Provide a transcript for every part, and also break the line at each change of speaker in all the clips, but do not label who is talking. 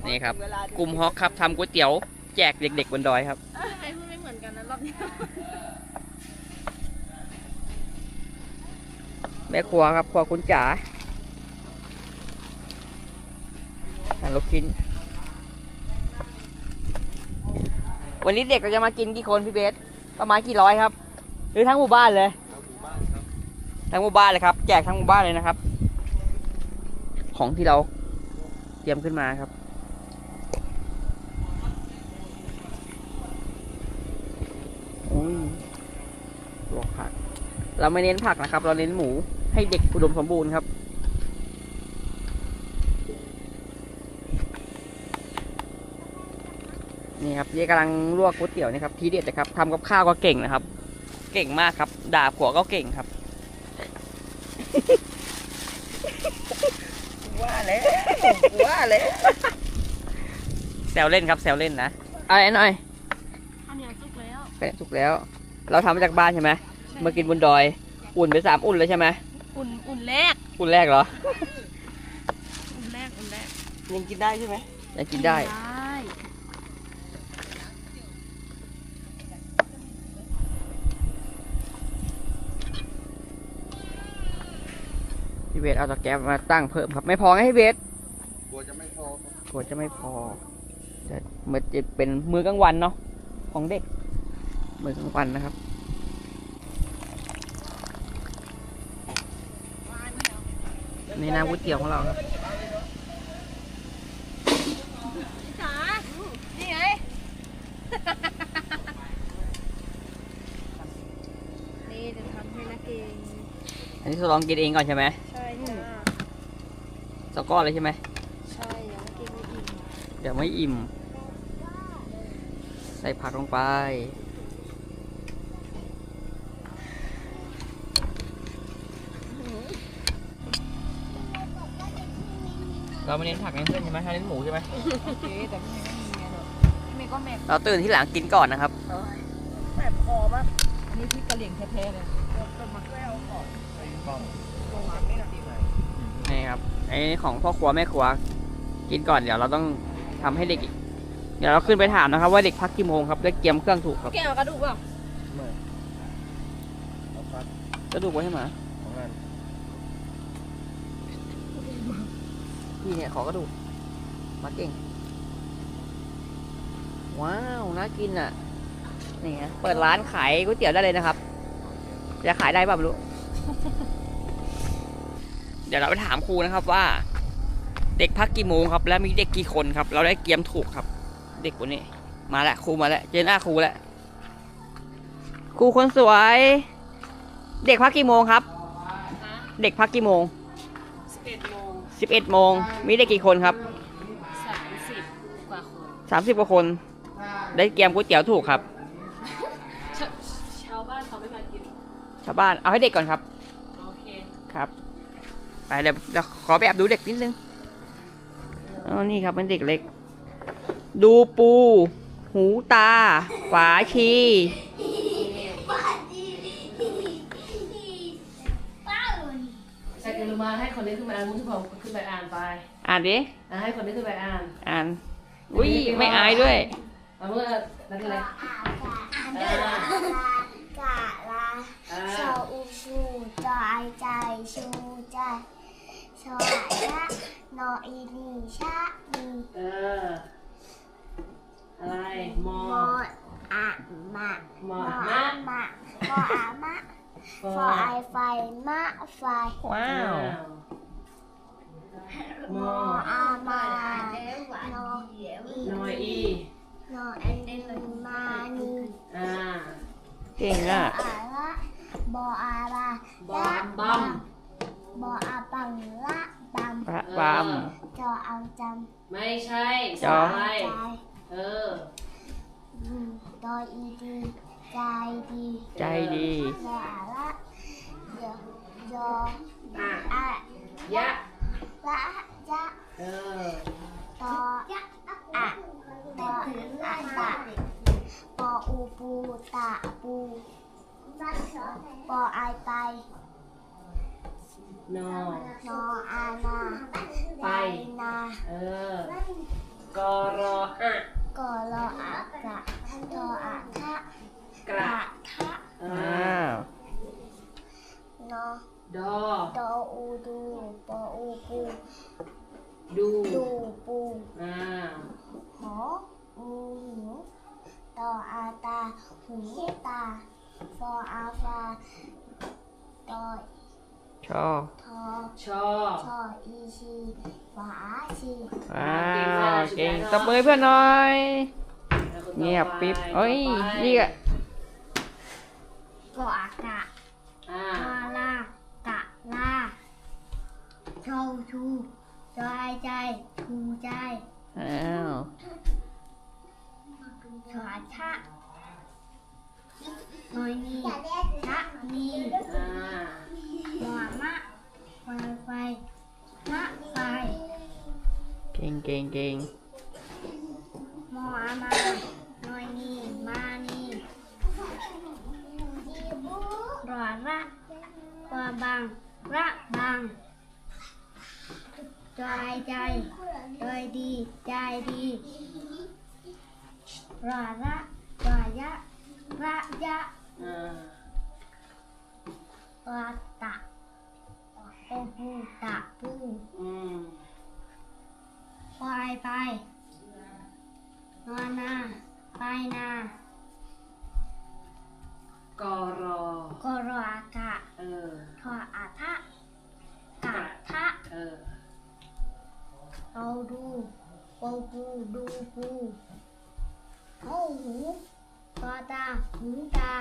นี่ครับกลุ่มฮอกครับทำก๋วยเตี๋ยวแจกเด็กๆบนดอยครับ
ใครพูดไม่เหมือนกันนะรอบนี้
แม่ครัวครับครัวคุณจ๋าลูกชิ้นวันนี้เด็กเราจะมากินกี่คนพี่เบสประมาณกี่ร้อยครับหรือทั้งหมู่บ้านเลยทั้งหมู่บ้านเลยครับแจกทั้งหมู่บ้านเลยนะครับของที่เราเตรียมขึ้นมาครับลวกผักเราไม่เน้นผักนะครับเราเน้นหมูให้เด็กอุดมสมบูรณ์ครับนี่ครับเจ๊กำลังลวกก๋วยเตี๋ยวนี่ครับทีเด็ดนะครับทำกับข้าวก็เก่งนะครับเก่งมากครับด่าผัวก็เก่งครับว่าแล้วแซวเล่นครับแซวเล่นนะอะไรหน่อย
ข้าวเหนียวสุกแล้ว
สุกแล้วเราทำมาจากบ้านใช่ไหมมากินบนดอยอุ่นไป3 อุ่นเลยใช่ไหม
อุ่นแรก
เหรอ
อุ่นแรก
ยังกินได้ใช่ไหมยังกินได้พี่เบสเอาตะแกรงมาตั้งเพิ่มครับไม่พอไงพี่เบสกลัวจะไม่พอจะมันจะเป็นมื้อกลางวันเนาะของเด็กมื้อกลางวันนะครับในน้ำก๋วยเตี๋ยวของเราครับ
จ๋านี่ไงนี่จะทำให้นักเอง
อันนี้ทดลองกินเองก่อนใช่ไหม
ใช่จ้า
สก้อนเลยใช่ไหม
ใช่ยังกินไม่อิ่ม
เดี๋ยวไม่อิ่มใส่ผักลงไปเราไม่เน้นผักเน้นเส้นใช่ไหมถ้าเน้นหมูใช่ไหม
โอเคแต่ไม่มีไงหรอกไม่ก็แม่
เราตื่นที่หลังกินก่อนนะครับ
แสบคอมากอันนี้พริกกะเหรี่ยงแท้ๆเลยจะมาแก้วก่อนตรงหลังนี่นะ
นี่ครับไอ้ของพ่อครัวแม่ครัวกินก่อนเดี๋ยวเราต้องทำให้เด็กอีกเดี๋ยวเราขึ้นไปถามนะครับว่าเด็กพักกี่โมงครับได้เตรียมเครื่องถูกครับ
แกเอากระดูกเปล่า
ไม่กระดูกไว้ให้หมาพี่เนี่ยขอกระดูกมาเก่งว้าวน่ากินอ่ะนี่ฮะเปิดร้านขายก๋วยเตี๋ยวได้เลยนะครับจะขายได้ป่ะไม่รู้ เดี๋ยวเราไปถามครูนะครับว่าเด็กพักกี่โมงครับและมีเด็กกี่คนครับเราได้เตรียมถูกครับเด็กคนนี้มาแล้วครูมาแล้วเจอหน้าครูแล้วครูคนสวยเด็กพักกี่โมงครับเด็กพักกี่โมง11 โมงมีเด็กกี่คนครับ30 กว่าคนได้เตรียมก๋วยเตี๋ยวถูกครับ
ชาวบ้านเขาไม่มากิน
ชาวบ้านเอาให้เด็กก่อนครับ
โอเค
ครับไปเดี๋ยวขอไปแอบดูเด็กนิดนึงอ๋อนี่ครับเป็นเด็กเล็กดูปูหูตาฝาชี
ใส่กระมาให้คนนี้ขึ้นมาอ่านมุ้งที่ผมขึ้นไปอ่านไป
อ่านดิ
ให้คนนี้ขึ้นไปอ่าน
อุ้ยไม่อายด้วย
เอาเมื่อนั่นเลย
กะลาชออูชูจอไอใจชูใจชอชะนออีนีชะมี
อะไรมอ
อะมะ
มอ
มะฟออามะฟอไอไฟมะไฟ
ว้าว
มออามานอ
อี
นอเอ็นมานี
เก่งอ่ะ
บออาบา
บอบัม
บออาบังละ
บัม
จอเอาจำ
ไม่ใช่
จอ
ดออีดีใจดีบออาละยออะ
ยะ
ละยะตออะตออะตะปออูปูตะปูปอไอไป
นอ
อานา
ไป
นา
กอรออะ
กอรออากะทออาทะ
กระ
ทะ
อ่า
อ้าว
นอ
ดอ
ดออูดูปออูปู
ดู
ดูปู
อ่า
หออูหูตออาตาหูตาฟออาฟาตอ
ชอ
ทอ
ชอ
ชออีชีฝาชี
ว้าวเก่งตบมือให้เพื่อนหน่อย
แล้วคนต่อไป
เงียบปิ๊บเอ้ย
ต่อไป
นี่อะ
กออากะ
อ่า
ลาลากะลาชอชูจอยใจชูใจ
อ้าว
ชอชะน้อยนีชะนี
อ่า
หมอมะไฟไฟมะไฟ
เก่งเก่งเก่ง
หมอมาน้อยนีมานีรอระกวาบังระบังจอยใจจอยดีใจดีรอระจอยยะระยะ
อ่า
วาตะโอปูตะปู
อืม
ควายไปนอนนาไปนาก
อรอก
รออากะ
เออ
ทออาทะกะทะ
เออ
เอาดูปูปูดูปูเอาหูตอตาหูตา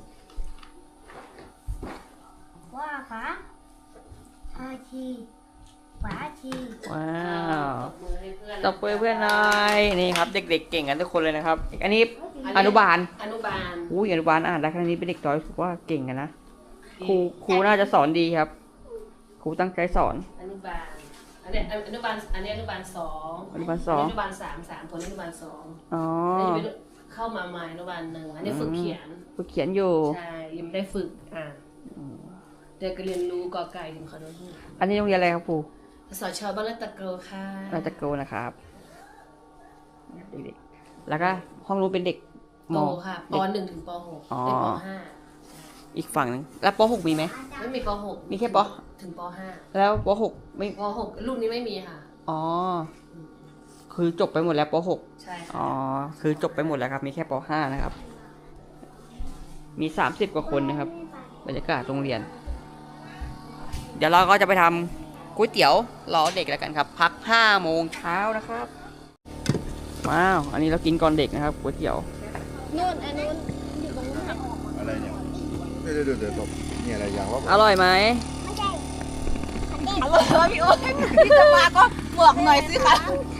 ว่าขาอาชีฝาชี
ว้าว
ตบมือให้เพื่อน
ตบมือเพื่อนหน่อยนี่ครับ เด็กๆเก่งกันทุกคนเลยนะครับ อันนี้อนุบาล
อนุบาล
อุ้ยอนุบาลอ่านได้ขนาดนี้เป็นเด็กน้อยถือว่าเก่งกันนะครูน่าจะสอนดีครับครูตั้งใจสอน
อนุบาล อันนี้อนุบาล อันนี้อนุบาลสอง
อนุบาลสอง
อนุบาลสามคนอนุบาลสอง
อ๋อ
อันนี้เป็นเข้ามาใหม่อนุบาลหนึ่งอันนี้ฝึกเขียน
ครูเขียนอยู่
ใช่ ยังไม่ได้ฝึกอ่านเด็กก็เรียนรู้กอไก่ถึงขอโทษ
อันนี้โรงเรียนอะไรครับครู
สชบ้านละตะเกลค่ะ
ราชโกนะครับเด็กๆแล้วก็ห้องรู้นเป็นเด็กม
โตค่ะป
เด็ก
หนึ่งถึงปหก
อ๋อ
เป็นปห้า
อีกฝั่งหนึงแล้วป .6 มีไหม
ไม่มีปหก
มีแค่ป
ถึงปห้า
แล้วป .6 ไม่
ปหกรุ่นนี้ไม่มีค่ะ
อ๋อคือจบไปหมดแล้วป .6
ใช่ค่ะ
อ๋อคือจบไปหมดแล้วครับ มีแค่ป .5 นะครับ มี30กว่าคนนะครับบรรยากาศโรงเรียน เดี๋ยวเราก็จะไปทำก๋วยเตี๋ยวรอเด็กแล้วกันครับ พัก5 โมงเช้านะครับว้าวอันนี้เรากินก่อนเด็กนะครับก๋วยเตี๋ยว
นู่นอันนู้นอยู่ตรงนู้น
อะไรเนี่ยเดี๋ยวนี่อะไรอย่างว่า
อร่อยไหม
ไม่ใช่
อร่อยพี่อ้นพี่จะมาก็บอกหน่อยสิคะ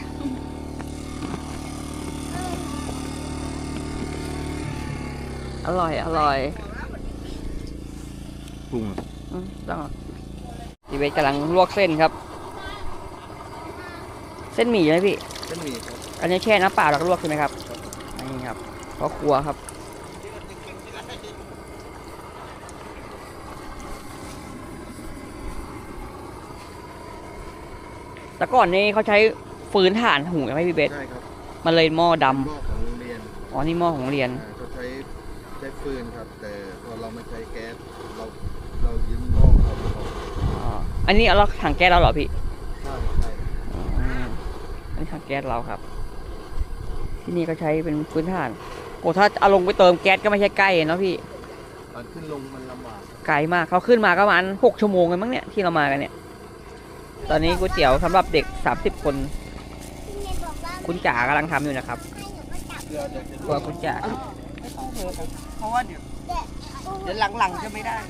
อร่อยอร่อย
ปรุง
ต้องพี่เวทกำลังลวกเส้นครับ เส้นหมี่ใช่ไหมพี่
เส้นหมี่ครับ
อันนี้แช่น้ำเปล่าแล้วก็ลวกใช่ไหมครับนี่ครับเพราะครัวครับแต่ก่อนนี้เขาใช้ฟืนถ่านหุงใช่ไหมพี่เบส
ใช่ครับ
มันเลยหม้อดำ
หม้อของโรงเรียน
อ๋อนี่หม้อของโรงเรียน
เขาใช้ฟืนครับ แต่พอเราไม่ใช้แก๊สเรายืมหม้อเขาไปก่อน
อ๋ออันนี้เราถังแก๊สเราเหรอพี่
ใช่ใช่
อืมอันนี้ถังแก๊สเราครับ ที่นี่ก็ใช้เป็นฟืนถ่านโอ้ถ้าเอาลงไปเติมแก๊สก็ไม่ใช่ใกล้เนาะพี่
ตอนขึ้นลงมันลำบาก
ไกลมากเขาขึ้นมาก็ประมาณ6 ชั่วโมงเลยมั้งเนี่ยที่เรามากันเนี่ย ตอนนี้ก๋วยเตี๋ยวสำหรับเด็ก30 คน
พี่เมย์บอกว่า
คุณจ๋ากำลังทำอยู่นะครับ
ให้หนูมาจับ
เรือจะ
ตัวคุณจ๋า
เพราะว่าเดี๋ยวหลังๆจะไม่ได้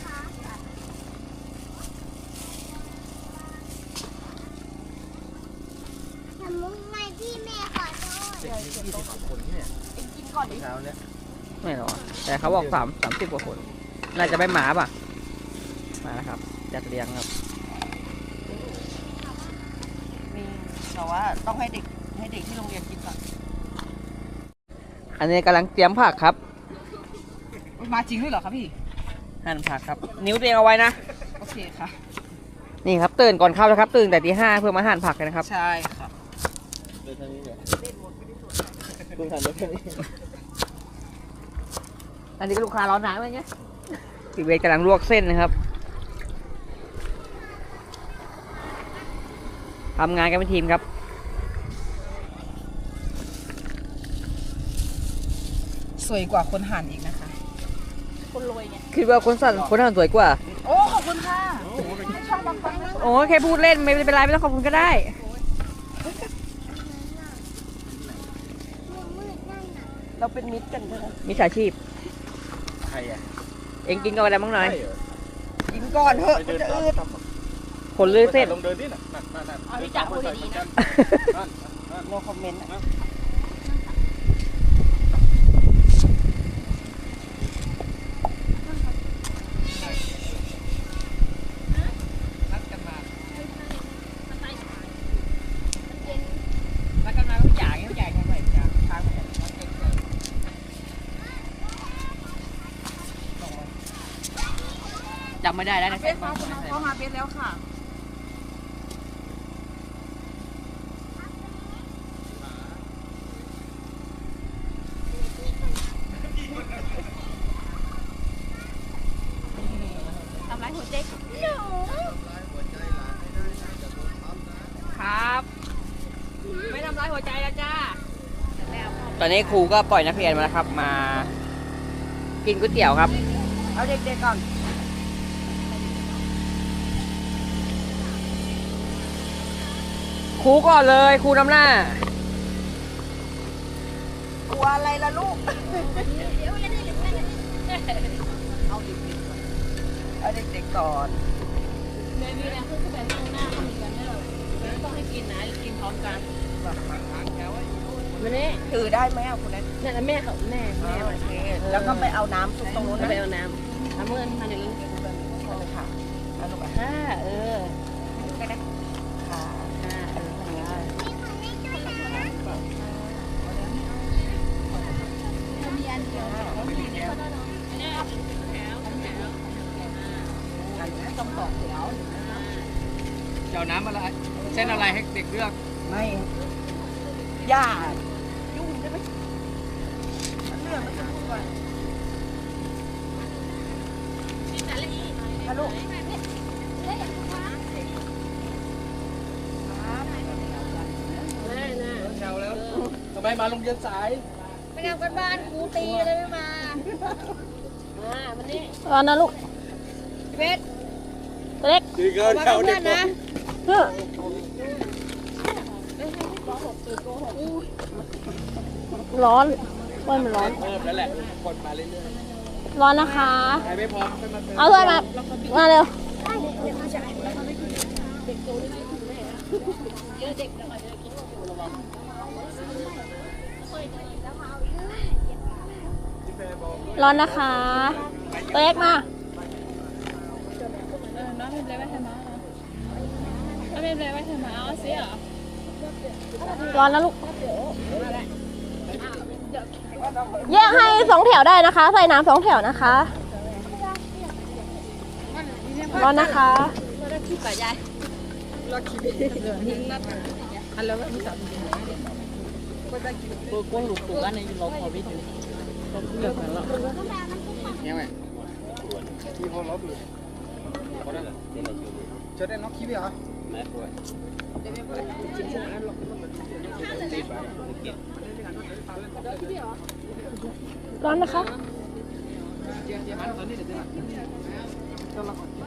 ทำมุ้งไงพี่เมย์ขอโทษ
เด็กมี20 คนเนี่ย
กินก่อนดิ
เช้าเนี่ย
ไม่หรอแต่เขาบอก30 กว่าคน น่าจะไม่หมาป่ะ มาแล้วครับ จัดเรียงครับ
มีแต่ว่าต้องให้เด็กที่โรงเรียนกินก่อน
อันนี้กำลังเตรียมผักครับ
มาจริงด้วยเหรอครับพี่
หั่นผักครับ นิ้วตัวเองเอาไว้นะ
โอเคค่ะ
นี่ครับตื่นก่อนเข้านะครับ ตื่นแต่ตี 5เพื่อมาหั่นผักกันนะครับ
ใช่ค่ะ
เ
ดินทางนี้เนี่ยเล่นหมดไม่ได้สนใจคุณหันไปทางนี้
อันนี้ก็ลูกค้าร้อนหนาไหมเนี่ยพี่เวทกำลังลวกเส้นนะครับทำงานกันเป็นทีมครับ
สวยกว่าคนหั่นอีกนะคะ คนรวยไง
คิดว่าคนสั่นคนหั่นสวยกว่า
โอ้ขอบคุณค่ะไม่ชอบบางคนไม่ชอบ
โอ้แค่พูดเล่นไม่เป็นไรไม่ต้องขอบคุณก็ได้
เราเป็นมิตรกันใช่ไหม
มิจฉาชีพ
ใครอ่ะ
เอ็งกินกันอะไรบ้างหน่อย
กินก่อนเถอะมันจะอืด
คนเลือเส้น
ลงเดินนี่น่ะนั่น
เอาที่จับพูดดีๆนะโนคอมเมนต์นะ
นัดกันมาทุกอย่างทุกอย่างทำไมจะทางจำไม่ได้แล้วนะ
เบสมาคุณน้องเข้ามาเบสแล้วค่ะ ทำร้ายหัวใจหนู
ครับ ไม่ทำร้ายหัวใจแล้วจ้า ตอนนี้ครูก็ปล่อยนักเรียนมาแล้วครับ มากินก๋วยเตี๋ยวครับ
เอาเด็กๆก่อน
ครูก่อนเลยครูนำหน้า
กลัวอะไรล่ะลูก เอาเด็กๆก่อน
แม่มีแล้วคือแบบนั่งหน้าเขาเหมือนกันเนี่ยไม่ต้องให้กินนะกินพร้อมกันมาเนี่ย
ถือได้ไหมอ่ะคุณแนท
นั่นนะแม่เขาแม่
โอเค แล้วก็ไปเอาน้ำซุปตรงนู้น
แล้ว
นะ
ไปเอาน้ำทำเงินมาหนึ่ง
เอาเลยค่ะเอาลูกอ่ะ
ค่ะเออ
ค่ะ
ค่ะเออทำงาน
อันนี้ต้องต่อแถว
เจ้าน้ำอะไรเส้นอะไรให้เด็กเลือก
ไม่ย่ายุ่งได้ไหมมันเรื่องมันจะพูดว่าฮัลโหล
แม่น่ะ
แถวแล้วทำไมมาโรงเรียนสาย
ไปทำกันบ้านครูตีเลยไม่มามันนี่รอนะลูกเพชรเล็ก
ดีเกิน
มา
เขา
เพื่
เด็
อก นนะร้อนว่ามันร้อน
เพิ่มแล้วแหละคนมาเรื่อย
ร้อนนะคะ
ๆใครไม่พร้อมค่อยมาเติม
เอาเพื่อนมาเร็ว ร้อนนะคะตัวเล็กมาร้อนนะลูกแยกให้2 แถวได้นะคะ ใส่น้ำ2 แถวนะคะ ร้อนนะคะ
เนี่ยไหม
ที่เขาล็อกเลยเจอได้น็อกคิดไหมเหรอ
ร้อนนะคะ